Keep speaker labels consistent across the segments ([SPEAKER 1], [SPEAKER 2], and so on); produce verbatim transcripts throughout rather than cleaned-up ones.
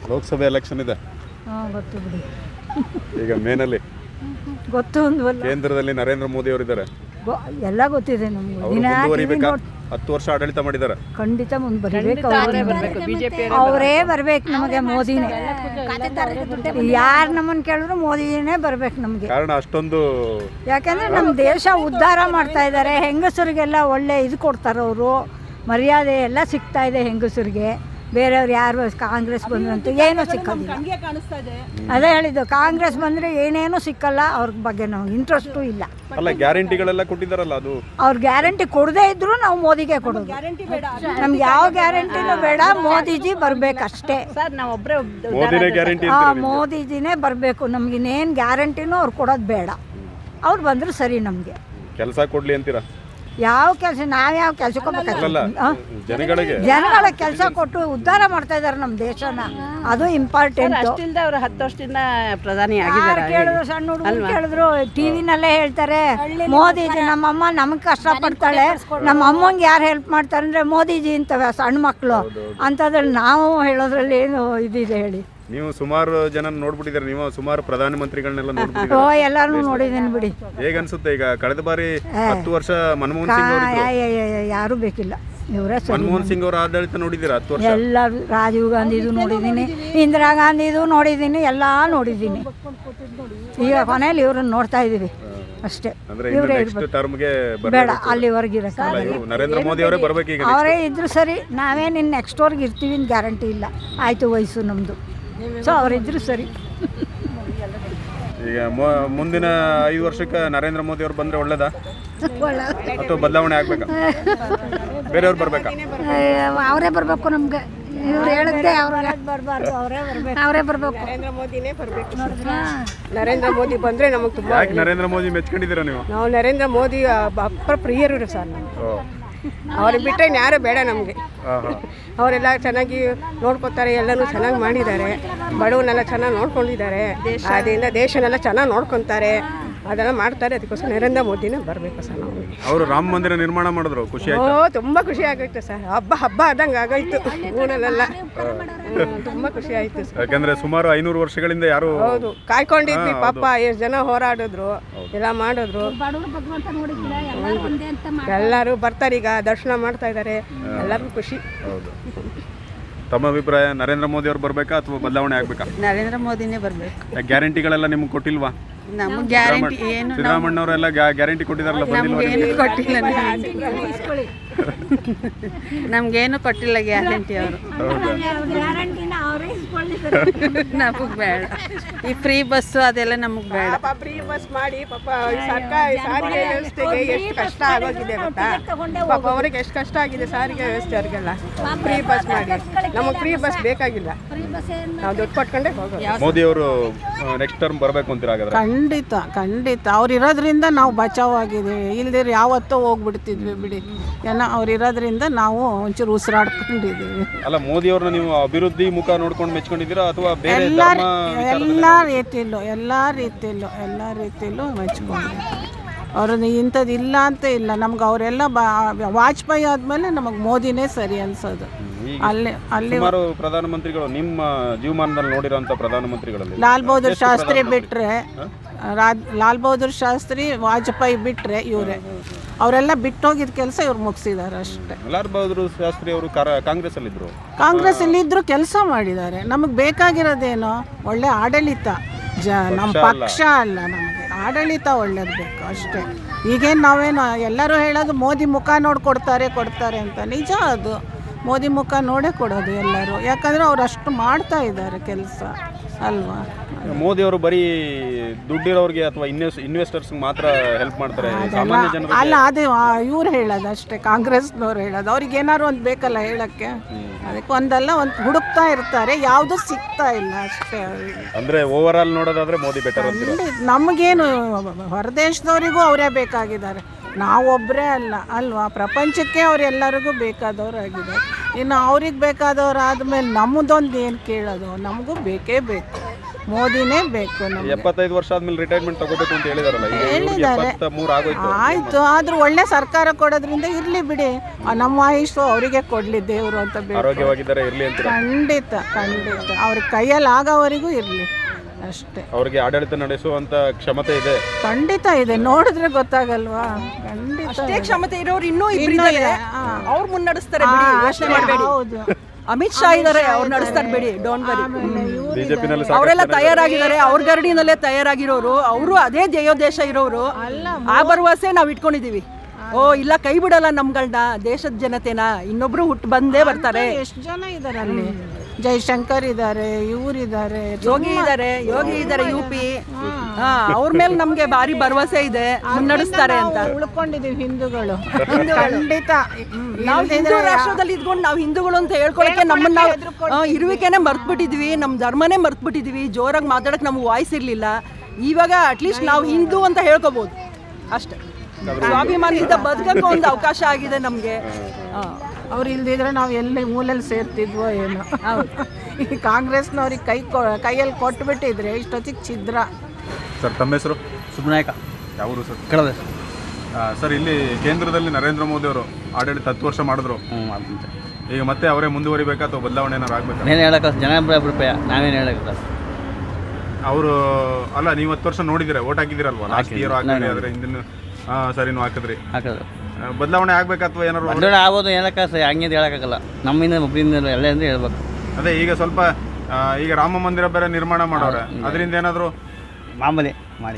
[SPEAKER 1] ಲೋಕಸಭೆ election ಇದೆ.
[SPEAKER 2] ಹಾಂ ಗೊತ್ತು ಬಿಡಿ.
[SPEAKER 1] ಈಗ ಮೇನಲ್ಲಿ
[SPEAKER 2] ಗೊತ್ತು ಒಂದು
[SPEAKER 1] ಕೇಂದ್ರದಲ್ಲಿ ನರೇಂದ್ರ ಮೋದಿ ಅವರು ಇದ್ದಾರೆ.
[SPEAKER 2] ಎಲ್ಲ ಗೊತ್ತಿದೆ ನಮ್ಗೆ.
[SPEAKER 1] ಅವರು ಮುಂದುವರಿಬೇಕಾ? ಹತ್ತು ವರ್ಷ ಆಡಳಿತ ಮಾಡಿದ್ದಾರೆ.
[SPEAKER 2] ಖಂಡಿತ ಮುಂದುವರಿಬೇಕು. ಅವರೇ ಬರ್ಬೇಕು ನಮಗೆ, ಮೋದಿನೇ. ಯಾರು ನಮ್ಮನ್ನು ಕೇಳಿದ್ರು ಮೋದಿನೇ ಬರ್ಬೇಕು ನಮಗೆ.
[SPEAKER 1] ಕಾರಣ ಅಷ್ಟೊಂದು,
[SPEAKER 2] ಯಾಕಂದ್ರೆ ನಮ್ಮ ದೇಶ ಉದ್ಧಾರ ಮಾಡ್ತಾ ಇದ್ದಾರೆ. ಹೆಂಗಸರಿಗೆಲ್ಲ ಒಳ್ಳೆ ಇದು ಕೊಡ್ತಾರೆ ಅವರು, ಮರ್ಯಾದೆ ಎಲ್ಲ ಸಿಗ್ತಾ ಇದೆ ಹೆಂಗಸರಿಗೆ. ಬೇರೆಯವ್ರು ಯಾರು ಕಾಂಗ್ರೆಸ್ ಬಂದ್ರಂತೂ ಏನೂ ಸಿಕ್ಕೋದಿಲ್ಲ. ಅದೇ ಹೇಳಿದ್ದು, ಕಾಂಗ್ರೆಸ್ ಬಂದರೆ ಏನೇನೂ ಸಿಕ್ಕಲ್ಲ. ಅವ್ರ ಬಗ್ಗೆ ನಮ್ಗೆ ಇಂಟ್ರೆಸ್ಟು ಇಲ್ಲ.
[SPEAKER 1] ಅಲ್ಲ, ಗ್ಯಾರಂಟಿಗಳೆಲ್ಲ ಕೊಟ್ಟಿದ್ದಾರಲ್ಲ, ಅದು
[SPEAKER 2] ಅವ್ರು ಗ್ಯಾರಂಟಿ ಕೊಡದೇ ಇದ್ರು ನಾವು ಮೋದಿಗೆ ಕೊಡೋದು. ನಮ್ಗೆ ಯಾವ ಗ್ಯಾರಂಟಿನೂ ಬೇಡ, ಮೋದಿಜಿ ಬರ್ಬೇಕಷ್ಟೇ.
[SPEAKER 1] ಮೋದಿನೇ ಗ್ಯಾರಂಟಿ.
[SPEAKER 2] ಹಾಂ, ಮೋದಿಜಿನೇ ಬರಬೇಕು. ನಮ್ಗಿನ್ನೇನು ಗ್ಯಾರಂಟಿನೂ ಅವ್ರು ಕೊಡೋದು ಬೇಡ. ಅವ್ರು ಬಂದರೂ ಸರಿ. ನಮಗೆ
[SPEAKER 1] ಕೆಲಸ ಕೊಡ್ಲಿ ಅಂತೀರಾ?
[SPEAKER 2] ಯಾವ ಕೆಲಸ, ನಾವ್ಯಾವ ಕೆಲಸಕ್ಕೆ ಹೋಗ್ಬೇಕಾಗಿಲ್ಲ.
[SPEAKER 1] ಜನಗಳಿಗೆ
[SPEAKER 2] ಜನಗಳ ಕೆಲಸ ಕೊಟ್ಟು ಉದ್ಧಾರ ಮಾಡ್ತಾ ಇದ್ದಾರೆ ನಮ್ಮ ದೇಶನ. ಅದು ಇಂಪಾರ್ಟೆಂಟ್.
[SPEAKER 3] ಅವರು ಹತ್ತು ವರ್ಷದಿಂದ ಪ್ರಧಾನಿ ಆಗಿದ್ದಾರೆ.
[SPEAKER 2] ಕೇಳಿದ್ರು, ಸಣ್ಣ ಹುಡುಗರು ಕೇಳಿದ್ರು, ಟಿವಿನಲ್ಲೇ ಹೇಳ್ತಾರೆ ಮೋದಿಜಿ. ನಮ್ಮಮ್ಮ ನಮಗೆ ಕಷ್ಟಪಡ್ತಾಳೆ, ನಮ್ಮ ಅಮ್ಮಂಗೆ ಯಾರು ಹೆಲ್ಪ್ ಮಾಡ್ತಾರೆ ಅಂದರೆ ಮೋದಿಜಿ ಅಂತವೆ ಸಣ್ಣ ಮಕ್ಕಳು. ಅಂಥದ್ರಲ್ಲಿ ನಾವು ಹೇಳೋದ್ರಲ್ಲಿ ಏನು ಇದಿದೆ ಹೇಳಿ?
[SPEAKER 1] ನೀವು ಸುಮಾರು ಜನ ನೋಡ್ಬಿಟ್ಟಿದ್ದಾರೆ, ನೀವು ಸುಮಾರು ಪ್ರಧಾನಮಂತ್ರಿಗಳನ್ನೆಲ್ಲ
[SPEAKER 2] ಓ,
[SPEAKER 1] ನೋಡ್ಬಿಟ್ಟಿದ್ದಾರೆ.
[SPEAKER 2] ಎಲ್ಲರೂ ನೋಡಿದ್ದೀನಿ ಬಿಡಿ.
[SPEAKER 1] ಹೇಗನ್ಸುತ್ತೆ ಈಗ? ಕಳೆದ ಬಾರಿ ಹತ್ತು ವರ್ಷ ಮನಮೋಹನ್ ಸಿಂಗ್ ಅವರು,
[SPEAKER 2] ಯಾರೂ ಬೇಕಿಲ್ಲ, ಇವರೇ ಸರಿ.
[SPEAKER 1] ಮನಮೋಹನ್ ಸಿಂಗ್ ಅವರ ಆಡಳಿತ ನೋಡಿದ್ದೀರಾ? ಹತ್ತು ವರ್ಷ
[SPEAKER 2] ಎಲ್ಲರೂ, ರಾಜೀವ್ ಗಾಂಧಿದು ನೋಡಿದ್ದೀನಿ, ಇಂದಿರಾ ಗಾಂಧಿದು ನೋಡಿದ್ದೀನಿ, ಎಲ್ಲ ನೋಡಿದ್ದೀನಿ. ಈಗ ಕೊನೆಯಲ್ಲಿ ಇವ್ರನ್ನ ನೋಡ್ತಾ ಇದ್ದೀವಿ ಅಷ್ಟೇ. ಇವರೇ ಬೇಡ, ಅಲ್ಲಿವರೆಗೆ ಇರೋಕ್ಕಾಗಲ್ಲ.
[SPEAKER 1] ನರೇಂದ್ರ ಮೋದಿ ಅವರೇ ಬರ್ಬೇಕು ಈಗ.
[SPEAKER 2] ಅವರೇ ಇದ್ರು ಸರಿ. ನಾವೇ ನಿನ್ನ ನೆಕ್ಸ್ಟ್ವರೆಗೆ ಇರ್ತೀವಿ ಅಂತ ಗ್ಯಾರಂಟಿ ಇಲ್ಲ. ಆಯಿತು, ವಯಸ್ಸು ನಮ್ಮದು. ಸೊ ಅವರಿದ್ರು ಸರಿ.
[SPEAKER 1] ಈಗ ಮುಂದಿನ ಐದು ವರ್ಷಕ್ಕೆ ನರೇಂದ್ರ ಮೋದಿ ಅವರು ಬಂದರೆ ಒಳ್ಳೇದಾ ಅಥವಾ ಬದಲಾವಣೆ ಆಗ್ಬೇಕಾ? ಬೇರೆಯವ್ರು ಬರ್ಬೇಕಾ?
[SPEAKER 2] ಅವರೇ ಬರಬೇಕು ನಮ್ಗೆ. ಇವ್ರು ಹೇಳಿದ್ದೆ ಅವ್ರು ಬರಬಾರ್ದು, ಅವರೇ ಬರಬೇಕು. ಅವರೇ ಬರಬೇಕು.
[SPEAKER 3] ನರೇಂದ್ರ ಮೋದಿನೇ ಬರಬೇಕು. ನರೇಂದ್ರ ಮೋದಿ ಬಂದರೆ ನಮಗೆ ತುಂಬ.
[SPEAKER 1] ಯಾಕೆ ನರೇಂದ್ರ ಮೋದಿ ಮೆಚ್ಕೊಂಡಿದ್ದೀರಾ ನೀವು?
[SPEAKER 3] ನಾವು ನರೇಂದ್ರ ಮೋದಿ ಅಪ್ಪ ಪ್ರಿಯರು ಸರ್. ನಾವು ಅವ್ರಿಗೆ ಬಿಟ್ಟರೆ ಯಾರು ಬೇಡ ನಮಗೆ. ಅವರೆಲ್ಲ ಚೆನ್ನಾಗಿ ನೋಡ್ಕೊತಾರೆ, ಎಲ್ಲನೂ ಚೆನ್ನಾಗಿ ಮಾಡಿದ್ದಾರೆ. ಬಡವನ್ನೆಲ್ಲ ಚೆನ್ನಾಗಿ ನೋಡ್ಕೊಂಡಿದ್ದಾರೆ. ಅದರಿಂದ ದೇಶನೆಲ್ಲ ಚೆನ್ನಾಗಿ ನೋಡ್ಕೊತಾರೆ, ಅದೆಲ್ಲ ಮಾಡ್ತಾರೆ. ಅದಕ್ಕೋಸ್ಕರ ನರೇಂದ್ರ ಮೋದಿನೇ ಬರಬೇಕು ಸರ್. ನಾವು
[SPEAKER 1] ಅವರು ರಾಮ ಮಂದಿರ ನಿರ್ಮಾಣ ಮಾಡಿದ್ರು, ಖುಷಿ ಆಯ್ತು?
[SPEAKER 3] ಓ, ತುಂಬ ಖುಷಿ ಆಗೋಯ್ತು ಸರ್. ಹಬ್ಬ ಹಬ್ಬ ಆದಂಗೆ ಆಗೋಯ್ತು ಊರಲ್ಲೆಲ್ಲ. ತುಂಬ ಖುಷಿ ಆಯಿತು ಸರ್.
[SPEAKER 1] ಯಾಕಂದ್ರೆ ಸುಮಾರು ಐನೂರು ವರ್ಷಗಳಿಂದ ಯಾರು
[SPEAKER 3] ಹೌದು ಕಾಯ್ಕೊಂಡಿದ್ವಿ. ಪಾಪ ಎಷ್ಟು ಜನ ಹೋರಾಡಿದ್ರು, ಎಲ್ಲ ಮಾಡಿದ್ರು. ಎಲ್ಲರೂ ಬರ್ತಾರೆ, ಈಗ ದರ್ಶನ ಮಾಡ್ತಾ ಇದ್ದಾರೆ. ಎಲ್ಲರಿಗೂ ಖುಷಿ.
[SPEAKER 1] ಹೌದು. ತಮ್ಮ ಅಭಿಪ್ರಾಯ, ನರೇಂದ್ರ ಮೋದಿ ಅವ್ರು ಬರ್ಬೇಕಾ ಅಥವಾ ಬದಲಾವಣೆ ಆಗ್ಬೇಕಾ?
[SPEAKER 3] ನರೇಂದ್ರ ಮೋದಿನೇ ಬರಬೇಕು.
[SPEAKER 1] ಗ್ಯಾರಂಟಿಗಳೆಲ್ಲ ನಿಮ್ಗೆ ಕೊಟ್ಟಿಲ್ವಾ?
[SPEAKER 3] ನಮಗೆ ಗ್ಯಾರಂಟಿ ಏನು?
[SPEAKER 1] ಸಿದ್ದರಾಮಣ್ಣವರೆಲ್ಲ ಗ್ಯಾರಂಟಿ ಕೊಟ್ಟಿದಾರಲ್ಲ,
[SPEAKER 3] ನಮಗೇನು ಕೊಟ್ಟಿಲ್ಲ. ನಮಗೇನು ಕೊಟ್ಟಿಲ್ಲ ಗ್ಯಾರಂಟಿ ಅವರು. ನಮಗೆ ಬೇಡ ಈ ಫ್ರೀ ಬಸ್ಸು, ಅದೆಲ್ಲ ನಮಗೆ ಬೇಡ. ಫ್ರೀ ಬಸ್ ಮಾಡಿ ಪಾಪ ಸರ್ಕಾರಿ ಸಾರಿಗೆ ವ್ಯವಸ್ಥೆಗೆ ಎಷ್ಟು ಕಷ್ಟ ಆಗೋಗಿದೆ ಗೊತ್ತಾ? ಪಾಪ ಅವ್ರಿಗೆ ಎಷ್ಟು ಕಷ್ಟ ಆಗಿದೆ ಸಾರಿಗೆ ವ್ಯವಸ್ಥೆ ಅವ್ರಿಗೆಲ್ಲ. ಫ್ರೀ ಬಸ್ ಮಾಡಿ, ನಮಗೆ ಫ್ರೀ ಬಸ್ ಬೇಕಾಗಿಲ್ಲ. ನಾವು ದುಡ್ಡು ಕೊಟ್ಕೊಂಡೆ ಹೋಗೋದು.
[SPEAKER 1] ಮೋದಿ ಅವರು ನೆಕ್ಸ್ಟ್ ಟರ್ಮ್ ಬರಬೇಕು ಅಂತೀರಾ? ಹಾಗಾದ್ರೆ
[SPEAKER 4] ಖಂಡಿತ ಖಂಡಿತ. ಅವ್ರು ಇರೋದ್ರಿಂದ ನಾವು ಬಚಾವ್ ಆಗಿದ್ದೀವಿ. ಇಲ್ದಿರ ಯಾವತ್ತೋ ಹೋಗ್ಬಿಡ್ತಿದ್ವಿ ಬಿಡಿ. ಏನೋ ಅವ್ರು ಇರೋದ್ರಿಂದ ನಾವು ಒಂಚೂರು ಉಸಿರಾಡ್ಕೊಂಡಿದ್ದೀವಿ.
[SPEAKER 1] ಅಲ್ಲ, ಮೋದಿ ಅವ್ರನ್ನ ನೀವು ಅಭಿವೃದ್ಧಿ ಮುಖ ನೋಡ್ಕೊಂಡು ಮೆಚ್ಕೊಂಡಿದ್ದೀರಾ ಅಥವಾ ಬೇರೆ
[SPEAKER 4] ಎಲ್ಲ
[SPEAKER 1] ಧರ್ಮ
[SPEAKER 4] ಎಲ್ಲ ರೀತಿಯಲ್ಲೂ ಎಲ್ಲ ರೀತಿಯಲ್ಲೂ ಎಲ್ಲ ರೀತಿಯಲ್ಲೂ ಮೆಚ್ಕೊಂಡಿದ್ದೀವಿ. ಅವ್ರನ್ನ ಇಂಥದ್ದು ಇಲ್ಲ ಅಂತ ಇಲ್ಲ. ನಮ್ಗೆ ಅವರೆಲ್ಲ ಬಾ ವಾಜಪೇಯಿ ಆದಮೇಲೆ ನಮಗೆ ಮೋದಿನೇ ಸರಿ ಅನ್ಸೋದು. ಅಲ್ಲಿ ಅಲ್ಲಿ
[SPEAKER 1] ಸುಮಾರು ಪ್ರಧಾನಮಂತ್ರಿಗಳು ನಿಮ್ಮ ಜೀವಮಾನದಲ್ಲಿ ನೋಡಿರೋಂಥ ಪ್ರಧಾನಮಂತ್ರಿಗಳಲ್ಲಿ
[SPEAKER 4] ಲಾಲ್ ಬಹದ್ದೂರ್ ಶಾಸ್ತ್ರಿ ಬಿಟ್ಟರೆ, ಲಾಲ್ ಬಹದ್ದೂರ್ ಶಾಸ್ತ್ರಿ, ವಾಜಪೇಯಿ ಬಿಟ್ಟರೆ ಇವರೇ. ಅವರೆಲ್ಲ ಬಿಟ್ಟೋಗಿದ್ದ ಕೆಲಸ ಇವ್ರು ಮುಗಿಸಿದ್ದಾರೆ ಅಷ್ಟೇ.
[SPEAKER 1] ಲಾಲ್ ಬಹದ್ದೂರ್ ಶಾಸ್ತ್ರಿ ಅವರು ಕಾಂಗ್ರೆಸ್ ಅಲ್ಲಿ ಇದ್ರು.
[SPEAKER 4] ಕಾಂಗ್ರೆಸ್ ಅಲ್ಲಿ ಇದ್ರು ಕೆಲಸ ಮಾಡಿದ್ದಾರೆ. ನಮಗೆ ಬೇಕಾಗಿರೋದೇನು? ಒಳ್ಳೆ ಆಡಳಿತ. ಜ ನಮ್ಮ ಪಕ್ಷ ಅಲ್ಲ, ನಮಗೆ ಆಡಳಿತ ಒಳ್ಳೇದು ಬೇಕು ಅಷ್ಟೇ. ಈಗೇನು ನಾವೇನು ಎಲ್ಲರೂ ಹೇಳೋದು ಮೋದಿ ಮುಖ ನೋಡಿ ಕೊಡ್ತಾರೆ ಕೊಡ್ತಾರೆ ಅಂತ. ನಿಜ, ಅದು ಮೋದಿ ಮುಖ ನೋಡೇ ಕೊಡೋದು ಎಲ್ಲರೂ. ಯಾಕಂದರೆ ಅವ್ರು ಅಷ್ಟು ಮಾಡ್ತಾ ಇದ್ದಾರೆ ಕೆಲಸ ಅಲ್ವಾ?
[SPEAKER 1] ಮೋದಿ ಅವರು ಬರೀ ದುಡ್ಡಿರೋರಿಗೆ ಅಥವಾ ಇನ್ವೆಸ್ಟ್ ಇನ್ವೆಸ್ಟರ್ಸ್ಗೆ ಮಾತ್ರ ಹೆಲ್ಪ್ ಮಾಡ್ತಾರೆ, ಸಾಮಾನ್ಯ ಜನರು
[SPEAKER 4] ಅಲ್ಲ. ಅದೇ ಇವ್ರು ಹೇಳೋದು ಅಷ್ಟೇ, ಕಾಂಗ್ರೆಸ್ನವ್ರು ಹೇಳೋದು. ಅವ್ರಿಗೆ ಏನಾದ್ರು ಒಂದು ಬೇಕಲ್ಲ ಹೇಳೋಕ್ಕೆ. ಅದಕ್ಕೆ ಒಂದಲ್ಲ ಒಂದು ಹುಡುಕ್ತಾ ಇರ್ತಾರೆ, ಯಾವುದು ಸಿಗ್ತಾ ಇಲ್ಲ ಅಷ್ಟೇ ಅವರಿಗೆ.
[SPEAKER 1] ಅಂದರೆ ಓವರ್ ಆಲ್ ನೋಡೋದಾದ್ರೆ ಮೋದಿ ಬೆಟರ್ ಅಂತ.
[SPEAKER 4] ನಮಗೇನು ಹೊರದೇಶದವರಿಗೂ ಅವರೇ ಬೇಕಾಗಿದ್ದಾರೆ, ನಾವೊಬ್ಬರೇ ಅಲ್ಲ ಅಲ್ವಾ? ಪ್ರಪಂಚಕ್ಕೆ ಅವರೆಲ್ಲರಿಗೂ ಬೇಕಾದವ್ರು ಆಗಿದ್ದಾರೆ. ಇನ್ನು ಅವ್ರಿಗೆ ಬೇಕಾದವ್ರು ಆದಮೇಲೆ ನಮ್ಮದೊಂದು ಏನು ಕೇಳೋದು? ನಮಗೂ ಬೇಕೇ ಬೇಕು ಮೋದಿನೇ ಬೇಕು ನಮಗೆ.
[SPEAKER 1] ಎಪ್ಪತ್ತೈದು ವರ್ಷ ಆದ್ಮೇಲೆ ರಿಟೈರ್ಮೆಂಟ್ ತಗೋಬೇಕು ಅಂತ ಹೇಳಿದಾರಲ್ಲ, ಈಗ ಇವ್ರಿಗೆ ಎಪ್ಪತ್ಮೂರು ಆಗೋಯ್ತು.
[SPEAKER 4] ಆಯಿತು, ಆದರೂ ಒಳ್ಳೆ ಸರ್ಕಾರ ಕೊಡೋದ್ರಿಂದ ಇರಲಿ ಬಿಡಿ, ಆ, ನಮ್ಮ ಆಯುಷು ಅವರಿಗೆ ಕೊಡಲಿ ದೇವರು ಅಂತ ಬೇಕು.
[SPEAKER 1] ಆರೋಗ್ಯವಾಗಿದ್ದಾರೆ ಇರ್ಲಿ ಅಂತ.
[SPEAKER 4] ಖಂಡಿತ ಖಂಡಿತ ಅವ್ರ ಕೈಯಲ್ಲಿ ಆಗೋವರೆಗೂ ಇರಲಿ ಅಷ್ಟೇ.
[SPEAKER 1] ಅವ್ರಿಗೆ ಆಡಳಿತ ನಡೆಸುವಂತ ಕ್ಷಮತೆ ಇದೆ.
[SPEAKER 4] ಖಂಡಿತ ಇದೆ, ನೋಡಿದ್ರೆ ಗೊತ್ತಾಗಲ್ವಾ? ಖಂಡಿತ
[SPEAKER 3] ಅಷ್ಟೇ ಕ್ಷಮತೆ ಇರೋರು ಇನ್ನೂ
[SPEAKER 4] ಇನ್ನೂ
[SPEAKER 3] ಇದ್ದಾರೆ,
[SPEAKER 4] ಇದೆ.
[SPEAKER 3] ಅವ್ರು ಮುನ್ನಡೆಸ್ತಾರೆ ಬಿಡಿ, ಯೋಚನೆ ಮಾಡಬೇಡಿ.
[SPEAKER 4] ಹೌದು.
[SPEAKER 3] ಅಮಿತ್ ಶಾ ಇದ್ದಾರೆ, ಅವ್ರು ನಡೆಸ್ತಾರೆ ಬಿಡಿ, ಡೋಂಟ್ ವರಿ.
[SPEAKER 1] ಬಿಜೆಪಿನಲ್ಲಿ
[SPEAKER 3] ಅವರೆಲ್ಲ ತಯಾರಾಗಿದ್ದಾರೆ, ಅವ್ರ ಗರಡಿನಲ್ಲೇ ತಯಾರಾಗಿರೋರು, ಅವರು ಅದೇ ಧ್ಯೇಯೋದ್ದೇಶ ಇರೋರು. ಆ ಭರವಸೆ ನಾವು ಇಟ್ಕೊಂಡಿದೀವಿ. ಓ ಇಲ್ಲ, ಕೈ ಬಿಡಲ್ಲ ನಮ್ಗಳನ್ನ, ದೇಶದ ಜನತೆನ, ಇನ್ನೊಬ್ರು ಹುಟ್ಟು ಬಂದೇ ಬರ್ತಾರೆ.
[SPEAKER 4] ಎಷ್ಟು ಜನ ಇದ್ದಾರೆ ಅಲ್ಲಿ? ಜೈಶಂಕರ್ ಇದ್ದಾರೆ, ಇವರಿದ್ದಾರೆ,
[SPEAKER 3] ಯೋಗಿ ಇದ್ದಾರೆ, ಯೋಗಿ ಇದ್ದಾರೆ ಯು ಪಿ. ಹಾ, ಅವ್ರ ಮೇಲೆ ನಮ್ಗೆ ಭಾರಿ ಭರವಸೆ ಇದೆ, ಮುನ್ನಡೆಸ್ತಾರೆ ಅಂತ.
[SPEAKER 4] ಉಳ್ಕೊಂಡಿದೀವಿ ಹಿಂದೂಗಳು. ಖಂಡಿತ
[SPEAKER 3] ನಾವು ಹಿಂದೂ ರಾಷ್ಟ್ರದಲ್ಲಿ ಇದ್ಕೊಂಡು ನಾವು ಹಿಂದೂಗಳು ಅಂತ ಹೇಳ್ಕೊಳಕ್ಕೆ ನಮ್ಮನ್ನ ನಾವು ಇರುವಿಕೆನೆ ಮರ್ತ್ಬಿಟ್ಟಿದ್ವಿ, ನಮ್ಮ ಧರ್ಮನೇ ಮರ್ತ್ಬಿಟ್ಟಿದ್ವಿ. ಜೋರಾಗಿ ಮಾತಾಡಕ್ಕೆ ನಮ್ಗೆ ವಾಯ್ಸ್ ಇರಲಿಲ್ಲ. ಇವಾಗ ಅಟ್ಲೀಸ್ಟ್ ನಾವು ಹಿಂದೂ ಅಂತ ಹೇಳ್ಕೊಬೋದು ಅಷ್ಟೇ. ಸ್ವಾಭಿಮಾನದಿಂದ ಬದುಕಕ್ಕೆ ಒಂದು ಅವಕಾಶ ಆಗಿದೆ ನಮಗೆ.
[SPEAKER 4] ಅವ್ರು ಇಲ್ದಿದ್ರೆ ನಾವು ಎಲ್ಲಿ ಮೂಲೆಯಲ್ಲಿ ಸೇರ್ತಿದ್ವೋ ಏನೋ. ಈ ಕಾಂಗ್ರೆಸ್ನವ್ರಿಗೆ ಕೈ ಕೊ ಕೈಯಲ್ಲಿ ಕೊಟ್ಬಿಟ್ಟಿದ್ರೆ ಇಷ್ಟೊತ್ತಿಗೆ ಛಿದ್ರ.
[SPEAKER 1] ಸರ್ ತಮ್ಮ ಹೆಸರು?
[SPEAKER 5] ಸುಬ್ನಾಯಕ.
[SPEAKER 1] ಯಾವರು ಸರ್?
[SPEAKER 5] ಕಡದ.
[SPEAKER 1] ಸರ್, ಇಲ್ಲಿ ಕೇಂದ್ರದಲ್ಲಿ ನರೇಂದ್ರ ಮೋದಿ ಅವರು ಆಡಳಿತ ಹತ್ತು ವರ್ಷ ಮಾಡಿದ್ರು. ಈಗ ಮತ್ತೆ ಅವರೇ ಮುಂದುವರಿಬೇಕಾ ಅಥವಾ ಬದಲಾವಣೆ ಏನಾರು ಆಗ್ಬೇಕಾ?
[SPEAKER 5] ಏನು ಹೇಳಕ್ಕ, ಜನ ಅಭಿಪ್ರಾಯ, ನಾವೇನು ಹೇಳಕ್ಕ.
[SPEAKER 1] ಅವರು ಅಲ್ಲ, ನೀವು ಹತ್ತು ವರ್ಷ ನೋಡಿದಿರ, ಓಟ್ ಹಾಕಿದಿರಲ್ವಾ? ಲಾಸ್ಟ್ ಇಯರ್ ಹಾಕಿದ್ರಿ, ಆದರೆ ಹಿಂದಿನ ಹಾಂ ಸರಿನೂ ಹಾಕಿದ್ರಿ.
[SPEAKER 5] ಹಾಕಿದ್ರು.
[SPEAKER 1] ಬದಲಾವಣೆ ಆಗ್ಬೇಕಾ ಅಥವಾ ಏನಾರು?
[SPEAKER 5] ಬದಲಾವಣೆ ಆಗ್ಬೋದು, ಹೇಳಕ್ಕ ಸರಿ, ಹಂಗೆ ಹೇಳಕ್ಕಾಗಲ್ಲ. ನಮ್ಮಿಂದ ಒಬ್ಬರಿಂದ ಎಲ್ಲ ಅಂದ್ರೆ ಹೇಳ್ಬೇಕು.
[SPEAKER 1] ಅದೇ ಈಗ ಸ್ವಲ್ಪ ಈಗ ರಾಮ ಮಂದಿರ ಬೇರೆ ನಿರ್ಮಾಣ ಮಾಡೋರೆ, ಅದರಿಂದ ಏನಾದರೂ
[SPEAKER 5] ಮಾಮೂಲಿ ಮಾಡಿ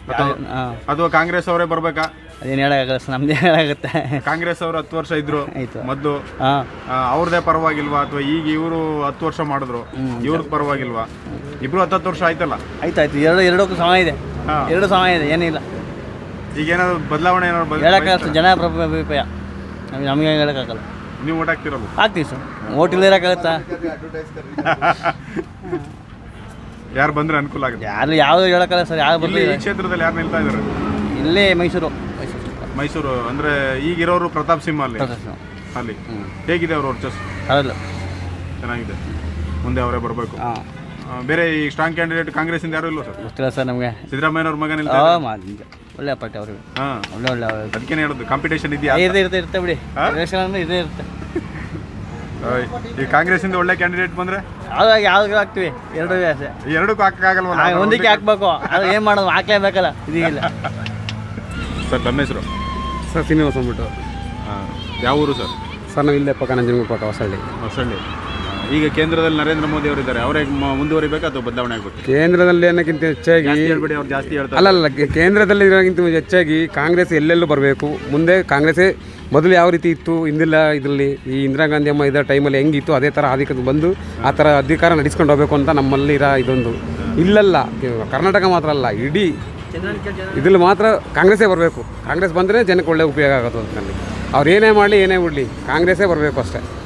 [SPEAKER 1] ಅಥವಾ ಕಾಂಗ್ರೆಸ್ ಅವರೇ ಬರ್ಬೇಕಾ?
[SPEAKER 5] ಅದೇನು ಹೇಳಕ್ಕಾಗಲ್ಲ ಸರ್, ನಮ್ದೇ ಹೇಳಾಗುತ್ತೆ.
[SPEAKER 1] ಕಾಂಗ್ರೆಸ್ ಅವರು ಹತ್ತು ವರ್ಷ ಇದ್ರು
[SPEAKER 5] ಆಯ್ತು
[SPEAKER 1] ಮೊದಲು,
[SPEAKER 5] ಹಾಂ,
[SPEAKER 1] ಅವ್ರದೇ ಪರವಾಗಿಲ್ವಾ ಅಥವಾ ಈಗ ಇವರು ಹತ್ತು ವರ್ಷ ಮಾಡಿದ್ರು ಇವ್ರದ್ದು ಪರವಾಗಿಲ್ವಾ? ಇಬ್ರು ಹತ್ತು ಹತ್ತು ವರ್ಷ ಆಯ್ತಲ್ಲ.
[SPEAKER 5] ಆಯ್ತು ಆಯ್ತು, ಎರಡು ಎರಡಕ್ಕೂ ಸಮ ಇದೆ, ಎರಡು ಸಮ ಇದೆ, ಏನಿಲ್ಲ.
[SPEAKER 1] ಈಗ ಏನಾದ್ರು ಬದಲಾವಣೆ ಏನಾದ್ರು
[SPEAKER 5] ಹೇಳಕ್ಕಾಗಲ್ಲ, ಜನ ಅಭಿಪ್ರಾಯ, ನಮ್ಗೆ ನಮಗೆ ಹೇಳಕ್ಕಾಗಲ್ಲ.
[SPEAKER 1] ನೀವು ಓಟ್ ಹಾಕ್ತಿರಲ್ಲ?
[SPEAKER 5] ಹಾಕ್ತೀವಿ ಸರ್, ಓಟ್ ಇಲ್ಲ ಇರೋಕ್ಕಾಗತ್ತಾ?
[SPEAKER 1] ಯಾರು ಬಂದ್ರೆ ಅನುಕೂಲ ಆಗುತ್ತೆ?
[SPEAKER 5] ಯಾರು ಯಾವುದು ಹೇಳಕ್ಕಾಗಲ್ಲ ಸರ್, ಯಾರು
[SPEAKER 1] ಇಲ್ಲಿ
[SPEAKER 5] ಬರಲಿ.
[SPEAKER 1] ಈ ಕ್ಷೇತ್ರದಲ್ಲಿ ಯಾರು ನಿಲ್ತಾ ಇದ್ದಾರೆ?
[SPEAKER 5] ಇಲ್ಲೇ ಮೈಸೂರು. ಮೈಸೂರು
[SPEAKER 1] ಮೈಸೂರು ಅಂದ್ರೆ ಈಗಿರೋರು ಪ್ರತಾಪ್ ಸಿಂಹ ಅಲ್ಲಿ ಅಲ್ಲಿ ಹೇಗಿದೆ ಅವ್ರ ವರ್ಚಸ್?
[SPEAKER 5] ಹೌದು,
[SPEAKER 1] ಚೆನ್ನಾಗಿದೆ. ಮುಂದೆ ಅವರೇ ಬರಬೇಕು.
[SPEAKER 5] ಹಾಂ,
[SPEAKER 1] ಬೇರೆ ಈ ಸ್ಟ್ರಾಂಗ್ ಕ್ಯಾಂಡಿಡೇಟ್ ಕಾಂಗ್ರೆಸ್ ಇಂದ ಯಾರು ಇಲ್ವಾ ಸರ್?
[SPEAKER 5] ಗೊತ್ತಿಲ್ಲ ಸರ್ ನಮಗೆ.
[SPEAKER 1] ಸಿದ್ದರಾಮಯ್ಯವ್ರ ಮಗ ನಿಲ್ತಾ
[SPEAKER 5] ಹಾಂ, ಮಾಡಿ ಒಳ್ಳೆ ಪಾರ್ಟಿ ಅವ್ರಿಗೆ.
[SPEAKER 1] ಹಾಂ,
[SPEAKER 5] ಒಳ್ಳೆ ಒಳ್ಳೆ
[SPEAKER 1] ಅದಕ್ಕೇನೆ ಹೇಳೋದು, ಕಾಂಪಿಟೇಷನ್ ಇದೆಯಾ?
[SPEAKER 5] ಇದೇ ಇರುತ್ತೆ ಇರುತ್ತೆ ಬಿಡಿ, ರೇಷನ್ ಅಂದ್ರೆ ಇದೇ ಇರುತ್ತೆ.
[SPEAKER 1] ಈ ಕಾಂಗ್ರೆಸ್ ಇಂದ ಒಳ್ಳೆ ಕ್ಯಾಂಡಿಡೇಟ್ ಬಂದ್ರೆ
[SPEAKER 5] ಯಾವ್ದಾಗ ಯಾವ್ದು ಹಾಕ್ತಿವಿ, ಎರಡು ಆಸೆ.
[SPEAKER 1] ಎರಡಕ್ಕೂ ಹಾಕಕ್ಕಾಗಲ್ವಲ್ಲ?
[SPEAKER 5] ಒಂದಕ್ಕೆ ಹಾಕ್ಬೇಕು, ಅದು ಏನು ಮಾಡೋದು, ಹಾಕ್ಲೇಬೇಕಲ್ಲ, ಇದೀಗಿಲ್ಲ.
[SPEAKER 1] ಸರ್ ತಮ್ಮ ಹೆಸರು?
[SPEAKER 6] ಸರ್ ಶ್ರೀನಿವಾಸ ಅಂದ್ಬಿಟ್ಟು.
[SPEAKER 1] ಹಾಂ, ಯಾವ ಊರು ಸರ್?
[SPEAKER 6] ಸರ್ ನಾವು ಇಲ್ಲೇ ಪಕ್ಕ ನಂಜನಗೂಡು ಪಕ್ಕ ಹೊಸಳ್ಳಿ.
[SPEAKER 1] ಹೊಸಳ್ಳಿ. ಈಗ ಕೇಂದ್ರದಲ್ಲಿ ನರೇಂದ್ರ ಮೋದಿ ಅವರು ಇದ್ದಾರೆ, ಅವರೇ ಮುಂದುವರಿಬೇಕಾ ಅಥವಾ ಬದಲಾವಣೆ ಆಗಬೇಕು?
[SPEAKER 6] ಕೇಂದ್ರದಲ್ಲಿ ಅನ್ನೋಕ್ಕಿಂತ ಹೆಚ್ಚಾಗಿ
[SPEAKER 1] ಹೇಳ್ಬೇಡಿ, ಅವ್ರು ಜಾಸ್ತಿ ಹೇಳ್ತಾರೆ.
[SPEAKER 6] ಅಲ್ಲಲ್ಲ, ಕೇಂದ್ರದಲ್ಲಿ ಇರೋಕ್ಕಿಂತ ಹೆಚ್ಚಾಗಿ ಕಾಂಗ್ರೆಸ್ ಎಲ್ಲೆಲ್ಲೂ ಬರಬೇಕು. ಮುಂದೆ ಕಾಂಗ್ರೆಸ್ಸೇ ಮೊದಲು ಯಾವ ರೀತಿ ಇತ್ತು ಹಿಂದಿಲ್ಲ, ಇದರಲ್ಲಿ ಈ ಇಂದಿರಾ ಗಾಂಧಿ ಅಮ್ಮ ಇದ್ದ ಟೈಮಲ್ಲಿ ಹೆಂಗಿತ್ತು ಅದೇ ಥರ ಅಧಿಕಾರ ಬಂದು ಆ ಥರ ಅಧಿಕಾರ ನಡೆಸ್ಕೊಂಡು ಹೋಗಬೇಕು ಅಂತ ನಮ್ಮಲ್ಲಿ ಇರೋ ಇದೊಂದು. ಇಲ್ಲಲ್ಲ, ಕರ್ನಾಟಕ ಮಾತ್ರ ಅಲ್ಲ, ಇಡೀ ಇದ್ರಲ್ಲಿ ಮಾತ್ರ ಕಾಂಗ್ರೆಸ್ಸೇ ಬರಬೇಕು. ಕಾಂಗ್ರೆಸ್ ಬಂದರೆ ಜನಕ್ಕೆ ಒಳ್ಳೆ ಉಪಯೋಗ ಆಗೋದು. ಅದರಲ್ಲಿ ಅವ್ರು ಏನೇ ಮಾಡಲಿ ಏನೇ ಬಿಡಲಿ ಕಾಂಗ್ರೆಸ್ಸೇ ಬರಬೇಕು ಅಷ್ಟೇ.